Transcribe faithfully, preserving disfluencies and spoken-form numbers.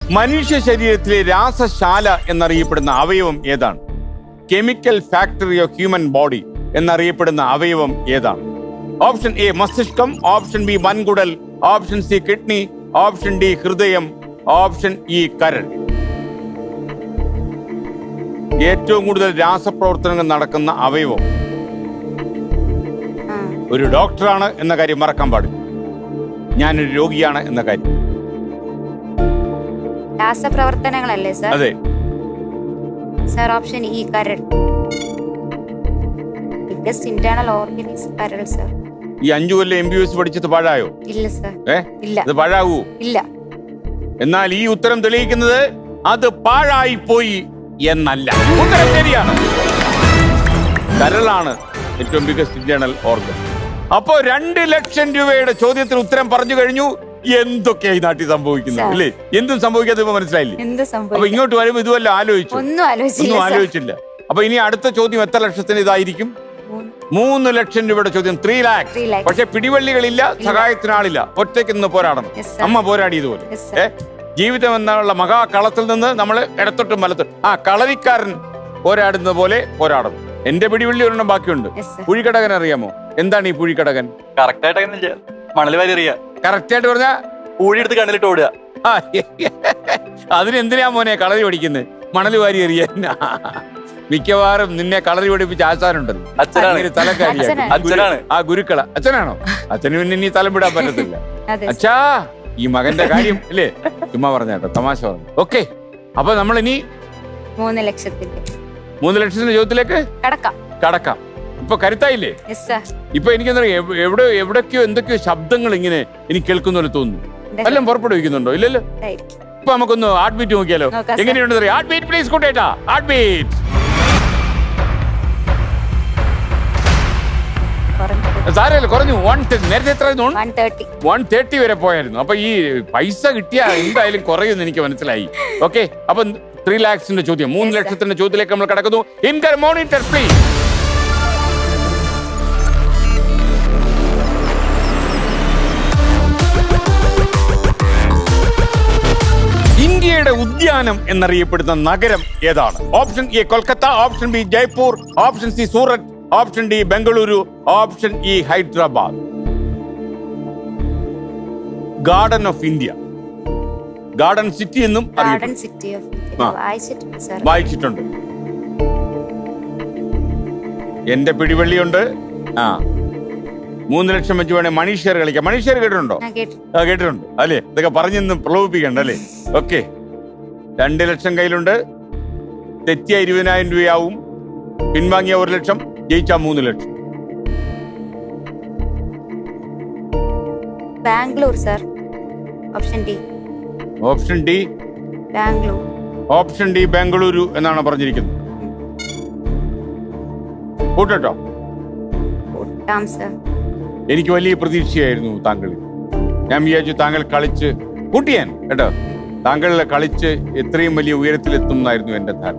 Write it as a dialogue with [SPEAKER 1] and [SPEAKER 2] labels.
[SPEAKER 1] മനുഷ്യ ശരീരത്തിലെ രാസശാല എന്നറിയപ്പെടുന്ന അവയവം ഏതാണ്? Chemical factory of human body എന്നറിയപ്പെടുന്ന അവയവം ഏതാണ്? ഓപ്ഷൻ എ മസ്തിഷ്കം, ഓപ്ഷൻ ബി വൻകുടൽ, option C kidney, option D ഹൃദയം, ഓപ്ഷൻ ഇ കരൾ. ഏറ്റവും കൂടുതൽ രാസപ്രവർത്തനങ്ങൾ നടക്കുന്ന അവയവം. ഒരു ഡോക്ടറാണ് എന്ന കാര്യം മറക്കാൻ പാടില്ല. ഞാനൊരു രോഗിയാണ് എന്ന കാര്യം.
[SPEAKER 2] രാസപ്രവർത്തനങ്ങളല്ലേ സർ?
[SPEAKER 1] അതെ
[SPEAKER 2] സർ. ഓപ്ഷൻ ഇ കരൾ. Biggest internal organ is karal sir.
[SPEAKER 1] ഈ അഞ്ചു കൊല്ലം എം ബി ബി എസ് പഠിച്ചത് പാഴായോ?
[SPEAKER 2] ഇല്ല സർ.
[SPEAKER 1] ഏ
[SPEAKER 2] ഇല്ല.
[SPEAKER 1] അത് പാഴാവൂ?
[SPEAKER 2] ഇല്ല.
[SPEAKER 1] എന്നാൽ ഈ ഉത്തരം തെളിയിക്കുന്നത് അത് പാഴായി പോയി എന്നല്ല. ഉത്തരം ശരിയാണ്. കരളാണ് ഏറ്റവും ബിഗ്ഗസ്റ്റ് ഇന്റേണൽ ഓർഗൻ. അപ്പോ രണ്ട് ലക്ഷം രൂപയുടെ ചോദ്യത്തിന് ഉത്തരം പറഞ്ഞു കഴിഞ്ഞു. എന്തൊക്കെയാ ഈ നാട്ടിൽ സംഭവിക്കുന്നത് അല്ലേ? എന്തും സംഭവിക്കാതെ ഇപ്പൊ മനസ്സിലായില്ലേ? അപ്പൊ ഇങ്ങോട്ട് വരുമ്പോ ഇതുവല്ല ആലോചിച്ചു?
[SPEAKER 2] ഒന്നും
[SPEAKER 1] ഒന്നും ആലോചിച്ചില്ല. അപ്പൊ ഇനി അടുത്ത ചോദ്യം എത്ര ലക്ഷത്തിന് ഇതായിരിക്കും? മൂന്ന് ലക്ഷം രൂപയുടെ ചോദ്യം. Three lakhs. പക്ഷെ പിടിവള്ളികളില്ല, സഹായത്തിനാളില്ല, ഒറ്റയ്ക്ക് നിന്ന് പോരാടണം. അമ്മ പോരാടിയതുപോലെ. ഏ ജീവിതം എന്നുള്ള മഹാകളത്തിൽ നിന്ന് നമ്മൾ ഇടത്തോട്ടും വലത്തോട്ടും ആ കളരിക്കാരൻ പോരാടുന്നത് പോലെ പോരാടണം. എന്റെ പിടിവള്ളി ഒരെണ്ണം ബാക്കിയുണ്ട്. പുഴിക്കടകൻ അറിയാമോ? എന്താണ് ഈ പുഴിക്കടകൻ?
[SPEAKER 3] കറക്റ്റ് ആയിട്ട് മണൽ വാരി അറിയാ.
[SPEAKER 1] കറക്റ്റ് ആയിട്ട് പറഞ്ഞാ
[SPEAKER 3] പൂഴി എടുത്ത് കണ്ണിലിട്ട് ഓടുക.
[SPEAKER 1] അതിനെന്തിനാ മോനെ കളരി പഠിക്കുന്നത്? മണൽ വാരി എറിയാൻ. മിക്കവാറും നിന്നെ കളറി പഠിപ്പിച്ച ആശാനുണ്ടല്ലോ, തലക്കാരിയാണ്. ആ ഗുരുക്കള അച്ഛനാണോ? അച്ഛന് പിന്നെ ഇനി തലം വിടാൻ പറ്റത്തില്ല. അച്ഛാ ഈ മകന്റെ കാര്യം അല്ലേ? ചുമ്മാ പറഞ്ഞാട്ടോ, തമാശ പറഞ്ഞു. ഓക്കെ, അപ്പൊ നമ്മൾ ഇനി
[SPEAKER 2] മൂന്ന് ലക്ഷത്തിന്റെ
[SPEAKER 1] മൂന്ന് ലക്ഷത്തിന്റെ ചോദ്യത്തിലേക്ക്
[SPEAKER 2] കടക്കാം.
[SPEAKER 1] കടക്കാം. ഇപ്പൊ കരുത്തായില്ലേ? ഇപ്പൊ എനിക്കെന്താ എവിടെ എവിടൊക്കെയോ എന്തൊക്കെയോ ശബ്ദങ്ങൾ ഇങ്ങനെ എനിക്ക് കേൾക്കുന്ന പോലെ തോന്നുന്നു. എല്ലാം പുറപ്പെടുവിക്കുന്നുണ്ടോ? ഇല്ലല്ലോ. ഇപ്പൊ നമുക്കൊന്ന് ഹാർട്ട് ബീറ്റ് നോക്കിയാലോ? എങ്ങനെയുണ്ട്? ഹാർട്ട് ബീറ്റ് പ്ലീസ് കൂട്ടേട്ടാ. ഹാർട്ട് ബീറ്റ് സാരല്ല, കുറഞ്ഞു. വൺ നേരത്തെ എത്ര വൺ തേർട്ടി വരെ പോയായിരുന്നു. അപ്പൊ ഈ പൈസ കിട്ടിയ എന്തായാലും കുറയുമെന്ന് എനിക്ക് മനസ്സിലായി. ഓക്കെ, അപ്പൊ ത്രീ ലാക്സിന്റെ ചോദ്യം, മൂന്ന് ലക്ഷത്തിന്റെ ചോദ്യത്തിലേക്ക് നമ്മൾ കടക്കുന്നു. ഇൻകർ മോണിറ്റർ പ്ലീസ്. ഇന്ത്യയുടെ ഉദ്യാനം എന്നറിയപ്പെടുന്ന നഗരം ഏതാണ്? Option A Kolkata, option B Jaipur, option C Surat, option D Bengaluru, option E Hyderabad. Garden of India, garden city എന്നും വായിച്ചിട്ടുണ്ട്. എന്റെ പിടിവള്ളിയുണ്ട്. ആ മൂന്ന് ലക്ഷം വെച്ച് വേണേ മണീഷർ കളിക്കാം. മണീഷർ കേട്ടിട്ടുണ്ടോ? ആ കേട്ടിട്ടുണ്ട് അല്ലേ? ഇതൊക്കെ പറഞ്ഞൊന്ന് പ്രലോഭിപ്പിക്കണ്ട അല്ലേ? ഓക്കെ, രണ്ട് ലക്ഷം കയ്യിലുണ്ട്. തെറ്റിയ ഇരുപതിനായിരം രൂപയാവും. പിൻവാങ്ങിയ ഒരു ലക്ഷം, ജയിച്ച മൂന്ന് lakh.
[SPEAKER 2] Bangalore sir. Option D.
[SPEAKER 1] Option D
[SPEAKER 2] Bangalore.
[SPEAKER 1] Option D Bengaluru എന്നാണ് പറഞ്ഞിരിക്കുന്നത്. കൂട്ടോ? എനിക്ക് വലിയ പ്രതീക്ഷയായിരുന്നു താങ്കളിൽ. ഞാൻ വിചാരിച്ചു താങ്കൾ കളിച്ച് കൂട്ടിയാൻ കേട്ടോ. താങ്കൾ കളിച്ച് എത്രയും വലിയ ഉയരത്തിലെത്തും എന്നായിരുന്നു എന്റെ ധാരണ.